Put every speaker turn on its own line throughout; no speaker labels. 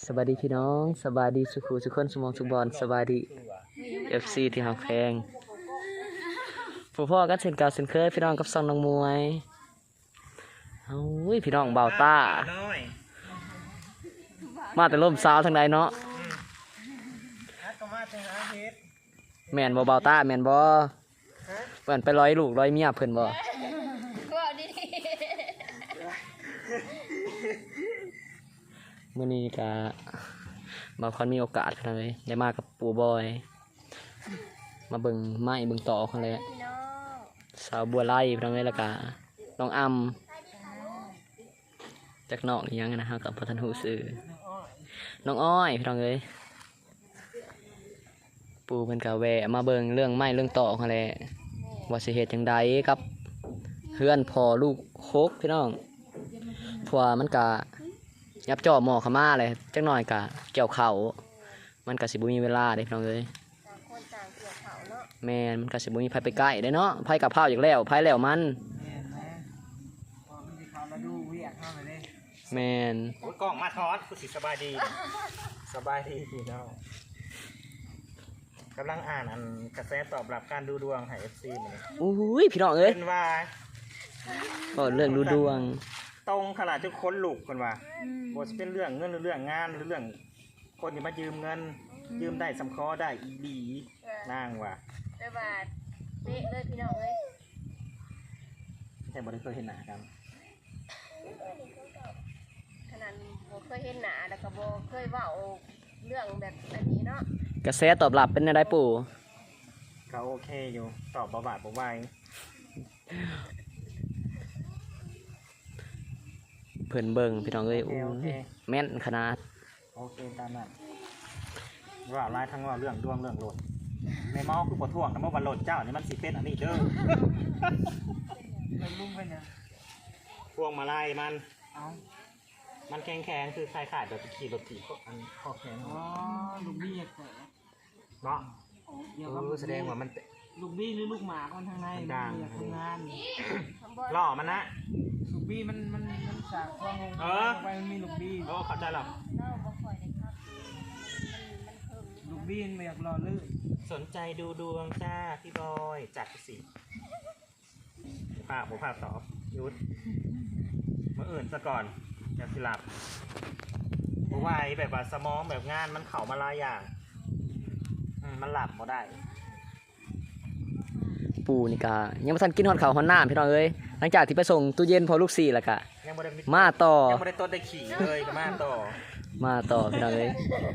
สวัสดีพี่น้องสบายดีสุขุสุขคนสมองสุขบอลสบายดี FC ที่หักแพงผู้พ่อกันเช่นเก่าเช่นเคยพี่น้องกับซองน้องมวยเฮ้ยพี่น้องเบาต้ามาแต่ร่มสาวทางใดเนาะแม่นบ่เบาต้าแม่นบ่เพิ่นไปร้อยลูกร้อยเมียเพิ่นบ่มื้อนี้ก็มาคอนมีโอกาสเลยได้มากับปู่บอยมาเบิ่งไม้เบิ่งต่อคนเลยสาวบัวไล่พี่น้องเลยแล้วก็น้องอำจากนอกนี่ยังนะฮะกับพัฒนหูสื่อน้องอ้อยพี่น้องเลยปู่เพิ่นก็แวะมาเบิ่งเรื่องไม้เรื่องต่อคนเลยว่าสิเหตุจังใดกับเพื่อนพอลูกโคกพี่น้องเพราะว่ามันก็ยับจ่อหมอขม่าเลยจักหน่อยกะเกี่ยวเข่ามันกะสิบุมีเวลาเด็กน้องเลยแม่มันกะสิบุมีไผไปใกล้ได้เนาะไผกับข้าวอย่างแล้วไผแล้วมันแม่น
กล้องมาทอดคุณสิสบายดีสบายดีพี่น้องกำลังอ่านอันกระแสตอบรับการดูดวงให้ FC นี่
อุ้ยพี่น้องเอ้ย
เป็นว่า
ก็เรื่องดูดวง
ตรงขนาดทุกคนลุกคนว่าบ่จะเป็นเรื่องเงินหรือเรื่องงานหรือเรื่องคนที่มายืมเงินยืมได้สำคอได้อีบีนางว่ะ
ได้บาทเป๊ะเลยพี่น้องเลย
แต่บ่ได้เคยเห็นหน้ากัน
ขนาดบ่เคยเห็นหน้าแล้วก็บ่เคยเว้าเรื่องแบบนี้เนาะ
กระแสตอบรับเป็นอะไรปู่
ก็โอเคอยู่ตอบบ่บาดบ่ไหว
เพิ่นเบิ่งพี่น้องเอ้ยโอ้แม่นขนาด
โอเคตามนั้นว่าลายทั้งว่าเรื่องดวงเรื่องโหลดในเมาคือบ่ท่วงนะเมื่อวันโหลดเจ้านี่มันสิเป็นอันนี้เด้อลุ่มไปเนี่ยพวงมาลัยมันแข็งคือคล้ายๆแบบขี่รถถีบอันข้อแข็ง
อ๋อลูกบี้แข็ง
เนาะแสดงว่ามัน
ลูกบี้หรือลูกหมามันทางใน
ดัง
ทำงาน
หล่อมันนะ
ลูกบี้มันสากฟองลงไปมันมีลูกบี้
เข้าใจหรอ
ลูกบี้มันอยากรอลื่น
สนใจดูดวงจ้าพี่บอยจัดสิภาพตอบยุดมาอื่นซะก่อนจะสิหลับเพราะว่าแบบว่าสมองแบบงานมันเข่ามาลายอย่างมันหลับบ่ได้
ปู่นี่กะยังไม่ทันกินฮอดข้าวฮอดน้ำพี่น้องเอ้ยหลังจากที่ไปส่งตู้เย็นพอลูก4แล้วกะมาต่อ
ยังไม่ได้ต้นได้ขี่เลยก็มาต่อ
พี่น้องเอ้ย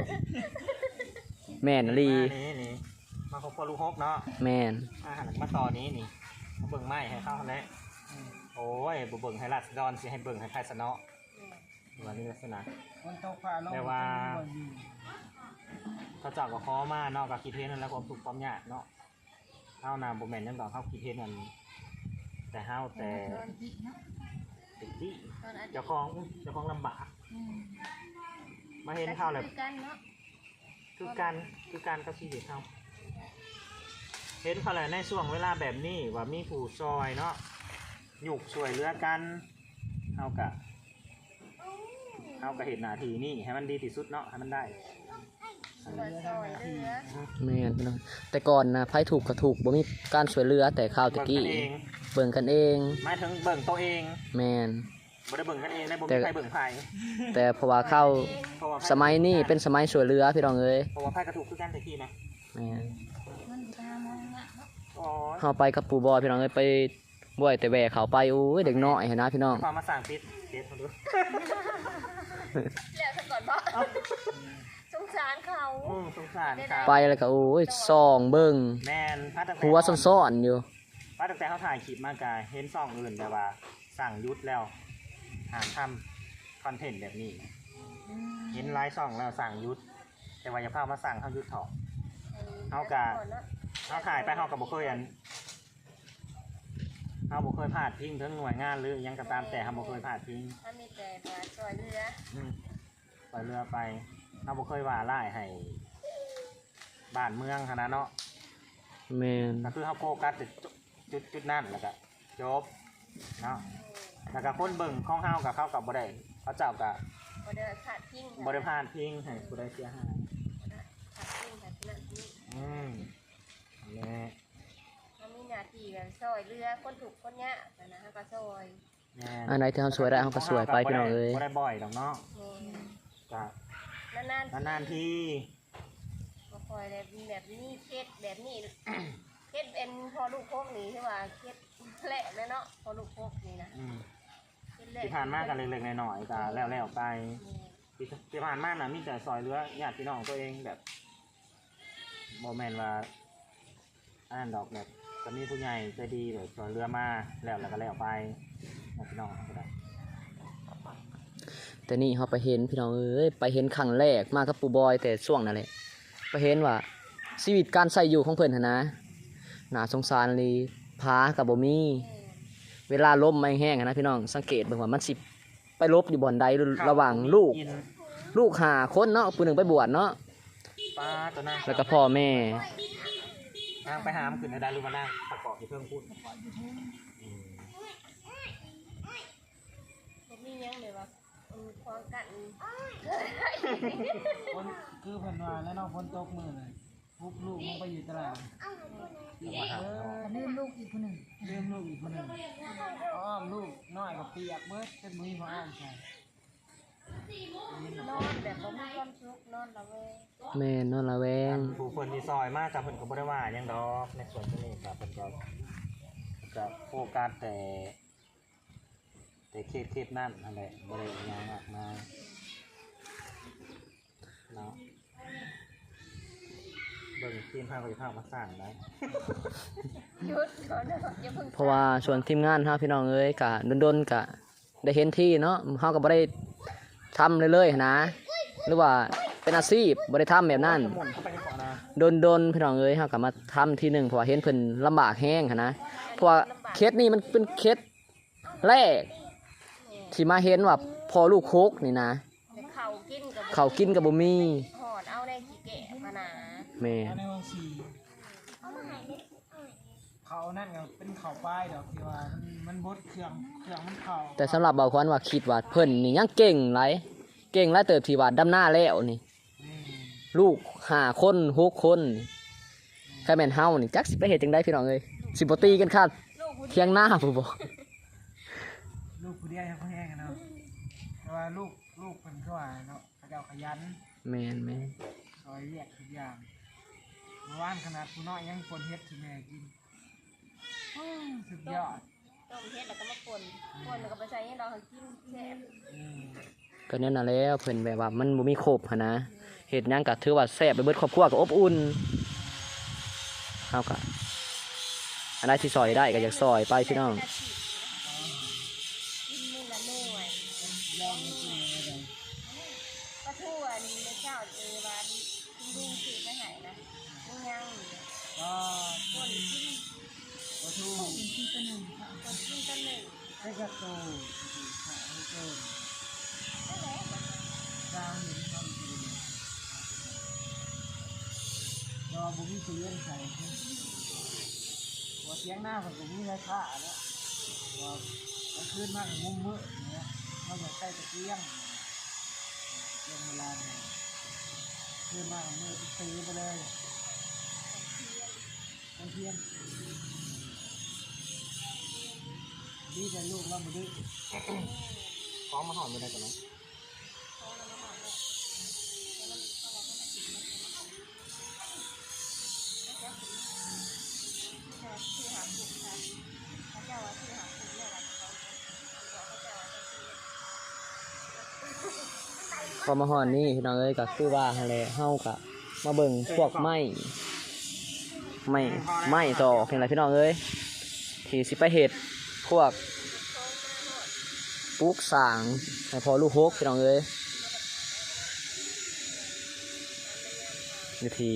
แม่นลี
นี่มาพบพอลูกฮกเนาะ
แม่น
มาต่อนี้นี่มาเบิ่งไม้ให้เข้าแล้วโอ้ยบ่เบิ่งให้รัดดอนสิให้เบิ่งให้ใครสนอวันนี้ลักษณะแต่ว่าเขาจับกับคอมาเนาะกับกีเทนนั่นแล้วความถูกความยากเนาะเฮานาบ่แม่นยังดอกเฮากีเทนนั่นแต่เฮาแต่ติดที่เจ้าของลำบากมาเห็นข้าวเลยคือการเขาชีวิตเขาเห็นเขาเลยในช่วงเวลาแบบนี้ว่ามีผู้ซอยเนาะหยุกช่วยเหลือกันเฮากะเห็นหน้าที่นี่ให้มันดีที่สุดเนาะให้มันได้
แม่นพี่น้องแต่ก่อนนะไผถูกก็ถูกบ่มีการช่วยเหลือแต่ข้าวตะกี้เบิ่งกันเอง
หมายถึงเบิ่งตัวเอง
แม่น
บ่ได้เบิ่งกันเองได้บ่มีใครเบิ่งไผ
แต่เพราะว่าเข้าสมัยนี้เป็นสมัยช่วยเหลือพี่น้องเอ้ย
เพราะว่าไผก็ถูกคือกันตะกี้นะ
แม่นเฮาไปกับปู่บอยพี่น้องเอ้ยไปบ่อยแต่แวะเขาไปโอ้ยเด็กน้อยเห็นนะพี่น้อง
ความมาสั่งปิดมาดู
แล้วซะก่อนบ่สงสารเขา
สงสารเขา
ไปแล้วก็โอ้ยส่องเบิ่ง
แม่น
หัวซ่อนๆอยู่
ป้าตั้งแต่เขาถ่ายคลิปมากะเห็นซ่องอื่นแต่ว่าสั่งยุดแล้วหาทำคอนเทนต์แบบนี้เห็นไลฟ์ซ่องแล้วสั่งยุดแต่ว่าอย่าพามาสั่งเขายุดถอดเขาถ่ายไปเขากับบุคคลเขาบุคคลพลาดทิ้งทั้งหน่วยงานหรือยังกระตามแต่เขาบุคคลพลาดทิ้ง
ถ้ามีแต่ปล่อยเ
รือไปเขาบุคคลว่าไล่ให้บ้านเมืองขนาดเนาะ
แม่น
ก็คือเขาโฟกัสจุดนั่นแล้วก็จบเนาะแล้วก็คนเบิ่งของเฮากับเขากับบ่ได้เขาเจ้ากับ
บ่ได้ขาดทิ้ง
บริพานทิ้งให้ผู้ใดเสียหาย
ขาดทิ้งขาดนั่นนี่
นี่
เขามีหน้าที่แบบซอยเรือคนถูกคนยะนะฮะก็ซอย
อันไหนที่เฮาสวยได้เฮาก็สวยไปพี่น้องเอ้ย
บ่ได้บ่อยดอกเนาะก็
นาน
ๆที
บ่คอยแบบนี้เคสแบบนี้เคสเป็นพอลูกโคกนี่ใช่ป่ะเคสแหละเลยเนาะพอลูกโคกนี่นะ
ที่ผ่านมากันเล็กๆน้อยๆก็แล้วไปที่ผ่านมาน่ะมีแต่ซอยเรือญาติพี่น้องตัวเองแบบบ่แม่นว่าอันนั้นดอกแบบก็มีผู้ใหญ่ใจดีแบบซอยเรือมาแล้วก็แล้วไปญาติพี่น้องก็ได้
แต่นี่เฮาไปเห็นพี่น้องเอ้ยไปเห็นครั้งแรกมากับปู่บอยแต่ช่วงนั้นแหละไปเห็นว่าชีวิตการใช้อยู่ของเพิ่นหั่นนะน่าสงสารเลยผาก็บ่มีเวลาลมไม่แห้งนะพี่น้องสังเกตเบิ่งว่ามันสิไปลบอยู่บ่อนใดระหว่างลูก5คนเนาะผู้หนึงไปบวชเนาะ
ป้าตัวนั้น
แล้วก็พ่อแม่
นางไปหามขึ้นในได้รู้มานั่งประกอบที่เพิ่มพูด
บ่มีหยังเลยว่าควางกัน
คนคือเพิ่นว่าแล้วน้องฝนตกมื้อน่ะพุบลูกลงไปอยู่ตลาดลืมลูกอีกคนหนึ่งอ้อมลูกน้อยกับเปียกเบิดเป็นมือมาอ้อมใส่
นอนแบบบ่มีความสุขนอนละเวง
แม่นอนละแวง
ผู้คนที่ซอยมากกับเพิ่นก็บ่ได้ว่าหยังดอกในส่วนตรงนี้กับเพิ่นก็โฟกัสแต่เคสนั่นนั่นแหละบ่ได้หยังมากมายเนาะเบิ่งทีมภาควิจารณ์มาสร้างได้
หยุดก่อนนะอย่าเพิ่ง
เพราะว่าส่วนทีมงานเฮาพี่น้องเอ้ยก็ดนๆก็ได้เห็นที่เนาะเฮาก็บ่ได้ทำเลยๆนะหรือว่าเป็นอาชีพบ่ได้ทำแบบนั้น
หมุนเข้าไปในเกาะนะ
ดนพี่น้องเอ้ยเฮาก็มาทำทีหนึงเพราะว่าเห็นเพิ่นลำบากแฮงหันนะเพราะว่าเคสนี้มันเป็นเคสแรกที่มาเห็นว่าพอลูกโคกนี่นะ
แต่ข้าวกินกับ
เขาวกินก็บ่มี
หอดเอาในขี้แกะมาหนา
แม่
ในห้องสี่เขานั่นก็เป็นเขาป้ายดอกที่ว่ามันบดเครื่องมันเข่า
แต่สำหรับเบาควันว่าคิดว่าเพิ่นนี่ยังเก่งหลายเก่งหลายเติบที่ว่าดำหน้าแล้วนี่ลูก5คน6คนแค่แม่นเฮานี่จักสิไปเฮ็ดจังได๋พี่น้องเอ้ยสิบ่ตีกันค่ะ
ลูกผู้
เที่ยงหน้าผู้บ่
ลูกผู้เดียวยังเขาแห้งกันเนาะแต่ว่าลูกเป็นเขาว่าเนาะเขาเจ้าขยัน
แม่น
ซอยเรียกทุกอย่างเมื่อวานขนาดผู้น้อยยังคนเฮ็ดที่แม่กินสุดยอด
ต้มเฮ็ดแล้วก็มาป่นแล้วก็ไปใส่ให้เรากินแซ่บ
ก็นั่นน่ะแล้วเพิ่นแบบว่ามันบ่มีครบหันนะเฮ็ดหยังก็ถือว่าแซ่บไปเบิดครอบครัวก็อบอุ่นเฮาก็อันใดที่ซอยได้ก็อยากซอยไปพี่น้อง
กินมื้อละหน่วย
ย่อมไม่กินอะไร
ปลาทูอันในเจ้าบ้านลุงสิไปให้นะมึงยังอยู่
ก็
คนกิน
ปลาทู
คนกินตัวหนึ่ง
ไส้กระโตขาให้เกินดาวเห็นทำกินรอบุ้งเสียงใส่หัวเสียงหน้าของบุ้งไรค่าแล้วว่ามันขึ้นมากมุมมืดเนี่ยเขาอยากใส่ตะเกียงเรื่องเวลาเนี่ยขึ้นมากมืดตีไปเลยตะเกียงดีแต่ลูกเราไม่ดื้อ
พร้อมมาหอมไปได้กันไหม
พอมาฮอดนี่พี่น้องเอ้ยก็คือว่าหั่นแหละเฮาก็มาเบิ่งพวกไม้ต่อเพียงไรพี่น้องเอ้ยที่สิไปเฮ็ดพวกปลูกสร้างให้พอลูกหกพี่น้องเอ้ยอยู่ที่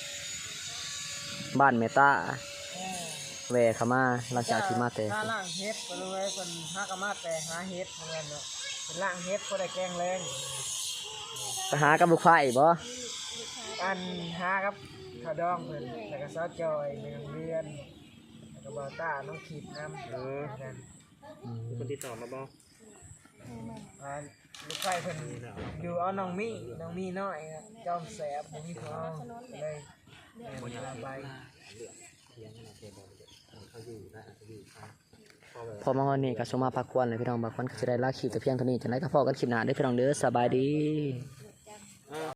บ้านเมตาแวะเข้ามาหลังจากที่มาแต่
ถ้าล่างเฮ็ดก็รู้ไว้เป็นหากะมาแต่หาเฮ็ดเหมือนกันเนาะเป็นล่างเฮ็ดก็ได้แกงแรง
ไปหากับลูกไฟบ่
อันหาครับข้าวดองเพิ่นแล้วก็ซอสจอยในโรงเรียนแล้วก็บอต้าน้องขีดน้ำกัน
มีคนติดต่อมาบ่
อ่าลูกไฟเพิ่นอยู่เอาน้องมี่น้อยครับจอมแสบบ่มีของเอาเลยระบาย
พอมาวันนี้ก็สมมาพักควรเลยพี่น้องบางคนก็จะได้ลาคลิปแต่เพียงเท่านี้จังไดก็พอกันคลิปหน้าเด้อพี่น้องเด้อสบายดี